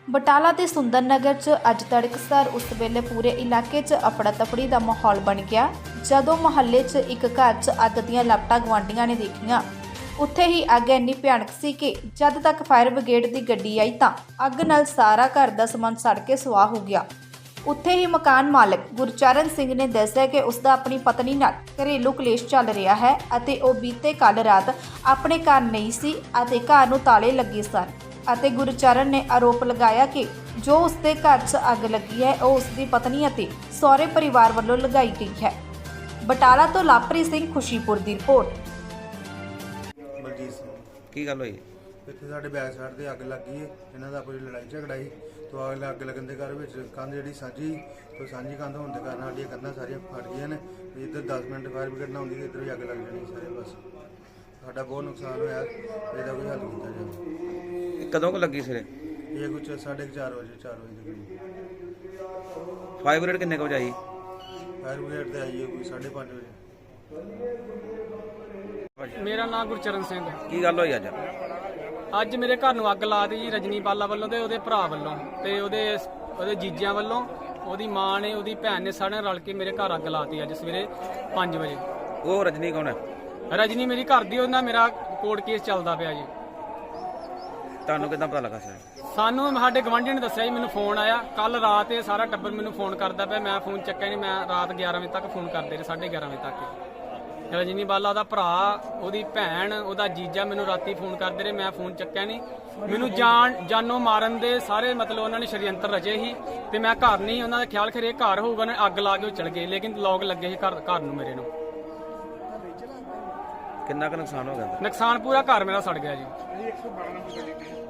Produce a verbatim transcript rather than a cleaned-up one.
ਬਟਾਲਾ ਦੇ ਸੁੰਦਰ ਨਗਰ 'ਚ ਅੱਜ ਤੜਕਸਾਰ ਉਸ ਵੇਲੇ ਪੂਰੇ ਇਲਾਕੇ 'ਚ ਅਫੜਾ ਤਫੜੀ ਦਾ ਮਾਹੌਲ ਬਣ ਗਿਆ ਜਦੋਂ ਮੁਹੱਲੇ 'ਚ ਇੱਕ ਘਰ 'ਚ ਅੱਗ ਦੀਆਂ ਲਪਟਾਂ ਗੁਆਂਢੀਆਂ ਨੇ ਦੇਖੀਆਂ। ਉੱਥੇ ਹੀ ਅੱਗ ਇੰਨੀ ਭਿਆਨਕ ਸੀ ਕਿ ਜਦ ਤੱਕ ਫਾਇਰ ਬ੍ਰਿਗੇਡ ਦੀ ਗੱਡੀ ਆਈ ਤਾਂ ਅੱਗ ਨਾਲ ਸਾਰਾ ਘਰ ਦਾ ਸਮਾਨ ਸੜ ਕੇ ਸੁਆਹ ਹੋ ਗਿਆ। ਉੱਥੇ ਹੀ ਮਕਾਨ ਮਾਲਕ ਗੁਰਚਰਨ ਸਿੰਘ ਨੇ ਦੱਸਿਆ ਕਿ ਉਸ ਦਾ ਆਪਣੀ ਪਤਨੀ ਨਾਲ ਘਰੇਲੂ ਕਲੇਸ਼ ਚੱਲ ਰਿਹਾ ਹੈ ਅਤੇ ਉਹ ਬੀਤੇ ਕੱਲ੍ਹ ਰਾਤ ਆਪਣੇ ਘਰ ਨਹੀਂ ਸੀ ਅਤੇ ਘਰ ਨੂੰ ਤਾਲੇ ਲੱਗੇ ਸਨ ਅਤੇ ਗੁਰਚਰਨ ਨੇ ਆਰੋਪ ਲਗਾਇਆ ਕਿ ਜੋ ਉਸਦੇ ਘਰ 'ਚ ਅੱਗ ਲੱਗੀ ਹੈ ਉਹ ਉਸਦੀ ਪਤਨੀ ਅਤੇ ਸਹੁਰੇ ਪਰਿਵਾਰ ਵੱਲੋਂ ਲਗਾਈ ਗਈ ਹੈ। ਬਟਾਲਾ ਤੋਂ ਲਾਪਰੀ ਸਿੰਘ ਖੁਸ਼ੀਪੁਰ ਦੀ ਰਿਪੋਰਟ। ਬਲਜੀਤ ਸਿੰਘ ਕੀ ਗੱਲ ਹੋਈ? ਇੱਥੇ ਸਾਡੇ ਬੈਕ ਸਾਈਡ ਤੇ ਅੱਗ ਲੱਗੀ ਹੈ। ਇਹਨਾਂ ਦਾ ਆਪਣੀ ਲੜਾਈ ਝਗੜਾ ਸੀ ਤੋਂ ਅੱਗ ਅੱਗ ਲੱਗਣ ਦੇ ਘਰ ਵਿੱਚ ਕੰਧ ਜਿਹੜੀ ਸਾਂਝੀ ਤੋਂ ਸਾਂਝੀ ਕੰਧ ਹੋਣ ਦੇ ਕਾਰਨ ਸਾਡੀਆਂ ਕੰਧਾਂ ਸਾਰੀਆਂ ਫਟ ਗਈਆਂ ਨੇ। ਇੱਧਰ ਦਸ ਮਿੰਟ ਫਾਇਰ ਬ੍ਰਿਗੇਡ ਨਾ ਆਉਂਦੀ ਤੇ ਇੱਧਰ ਵੀ ਅੱਗ ਲੱਗ ਜਾਣੀ ਸਾਰੇ। ਬਸ ਸਾਡਾ ਬਹੁਤ ਨੁਕਸਾਨ ਹੋਇਆ, ਇਹਦਾ ਕੋਈ ਹੱਲ ਕੀਤਾ ਜਾਵੇ। ਕਦੋਂ ਕੁ ਲੱਗੀ ਸਿਰੇ? ਇਹ ਕੁਝ ਸਾਢੇ ਕੁ ਚਾਰ ਵਜੇ ਚਾਰ ਵਜੇ ਦੇ ਕਰੀਬ। ਫਾਇਰ ਬ੍ਰਿਗੇਡ ਕਿੰਨੇ ਕੁ ਵਜੇ ਆਈ? ਫਾਇਰ ਬ੍ਰਿਗੇਡ ਤੇ ਆਈ ਹੈ ਕੋਈ ਸਾਢੇ ਪੰਜ ਵਜੇ। ਮੇਰਾ ਨਾਮ ਗੁਰਚਰਨ ਸਿੰਘ। ਕੀ ਗੱਲ ਹੋਈ ਅੱਜ? ਅੱਜ ਮੇਰੇ ਘਰ ਨੂੰ ਅੱਗ ਲਾ ਦਿੱਤੀ ਜੀ ਰਜਨੀ ਬਾਲਾ ਵੱਲੋਂ ਤੇ ਉਹਦੇ ਭਰਾ ਵੱਲੋਂ ਤੇ ਉਹਦੇ ਉਹਦੇ ਜੀਜਿਆਂ ਵੱਲੋਂ, ਉਹਦੀ ਮਾਂ ਨੇ ਉਹਦੀ ਭੈਣ ਨੇ ਸਾਰਿਆਂ ਰਲ ਕੇ ਮੇਰੇ ਘਰ ਅੱਗ ਲਾਤੀ ਅੱਜ ਸਵੇਰੇ ਪੰਜ ਵਜੇ। ਉਹ ਰਜਨੀ ਕੌਣ ਹੈ? ਰਜਨੀ ਮੇਰੀ ਘਰ ਦੀ, ਉਹਦੇ ਨਾਲ ਮੇਰਾ ਕੋਰਟ ਕੇਸ ਚੱਲਦਾ ਪਿਆ ਜੀ। ਤੁਹਾਨੂੰ ਕਿੱਦਾਂ ਪਤਾ ਲੱਗਾ ਸਰ? ਸਾਨੂੰ ਸਾਡੇ ਗਵਾਂਢੀ ਨੇ ਦੱਸਿਆ ਜੀ, ਮੈਨੂੰ ਫੋਨ ਆਇਆ ਕੱਲ ਰਾਤ। ਇਹ ਸਾਰਾ ਟੱਬਰ ਮੈਨੂੰ ਫੋਨ ਕਰਦਾ ਪਿਆ, ਮੈਂ ਫੋਨ ਚੱਕਿਆ ਨਹੀਂ। ਮੈਂ ਰਾਤ ਗਿਆਰਾਂ ਵਜੇ ਤੱਕ ਫੋਨ ਕਰਦੇ ਰਹੇ, ਸਾਢੇ ਗਿਆਰਾਂ ਵਜੇ ਤੱਕ। ਰਜਨੀ ਬਾਲਾ ਦਾ ਭਰਾ, ਉਹਦੀ ਭੈਣ, ਉਹਦਾ ਜੀਜਾ ਮੈਨੂੰ ਰਾਤੀ ਫੋਨ ਕਰਦੇ ਰਹੇ, ਮੈਂ ਫੋਨ ਚੱਕਿਆ ਨਹੀਂ। ਮੈਨੂੰ ਜਾਨ ਜਾਨੋਂ ਮਾਰਨ ਦੇ ਸਾਰੇ ਮਤਲਬ ਉਹਨਾਂ ਨੇ ਸ਼ਰੀਅੰਤਰ ਰਚੇ ਸੀ ਤੇ ਮੈਂ ਘਰ ਨਹੀਂ। ਉਹਨਾਂ ਦਾ ਖਿਆਲ ਖਰੇ ਘਰ ਹੋਊਗਾ, ਉਹਨੇ ਅੱਗ ਲਾ ਕੇ ਉਹ ਚਲ ਗਏ, ਲੇਕਿਨ ਲੋਕ ਲੱਗੇ ਸੀ ਘਰ ਘਰ ਨੂੰ ਮੇਰੇ ਨੂੰ। ਕਿੰਨਾ ਕੁ ਨੁਕਸਾਨ ਹੋ ਗਿਆ? ਨੁਕਸਾਨ ਪੂਰਾ ਘਰ ਮੇਰਾ ਸੜ ਗਿਆ ਜੀ।